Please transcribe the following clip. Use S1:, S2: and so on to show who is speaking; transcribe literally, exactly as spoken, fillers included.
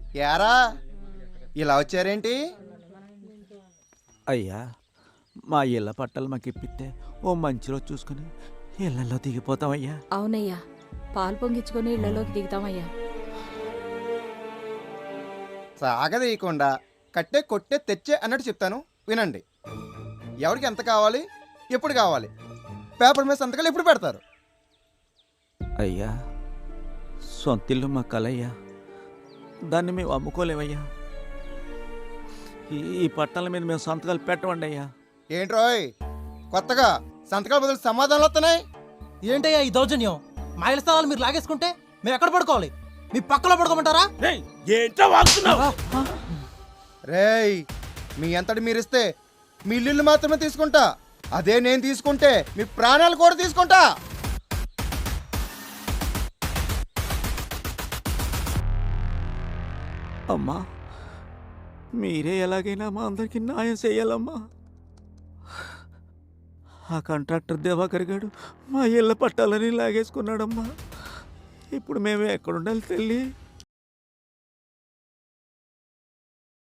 S1: యారా ఇలా వచ్చారేంటి?
S2: అయ్యా, మా ఇళ్ళ పట్టాలు మాకు ఇప్పిస్తే ఓ మంచి రోజు చూసుకుని ఇళ్లలో దిగిపోతామయ్యా.
S3: అవునయ్యా, పాలు పొంగించుకొని ఇళ్లలోకి దిగుతామయ్యా.
S1: సాగదీయకుండా కట్టే కొట్టే తెచ్చే అన్నట్టు చెప్తాను వినండి. ఎవరికి ఎంత కావాలి, ఎప్పుడు కావాలి, పేపర్ మీద సంతకాలు ఎప్పుడు పెడతారు?
S2: అయ్యా, సొంతిల్లు మా కలయ్యా, దాన్ని మేము అమ్ముకోలేమయ్యా. ఈ పట్టాల మీద మేము సంతకాలు పెట్టమండి అయ్యా.
S1: ఏంట్రోయ్ కొత్తగా సంతకాల బదులు సమాధానాలు వస్తున్నాయి?
S4: ఏంటయ్యా ఈ దౌర్జన్యం? మా ఇళ్ళ స్థలాలు మీరు లాగేసుకుంటే మేము ఎక్కడ పడుకోవాలి? మీ పక్కలో పడుకోమంటారా?
S1: రేయ్, మీ అంతటి మీరిస్తే మీ ఇల్లు మాత్రమే తీసుకుంటా, అదే నేను తీసుకుంటే మీ ప్రాణాలు కూడా తీసుకుంటా.
S2: అమ్మా, మీరే ఎలాగైనా మా అందరికీ న్యాయం చేయాలమ్మా. ఆ కాంట్రాక్టర్ దివాకర్ గారు మా ఇళ్ళ పట్టాలని లాగేసుకున్నాడమ్మా. ఇప్పుడు మేము ఎక్కడుండాలి తల్లి?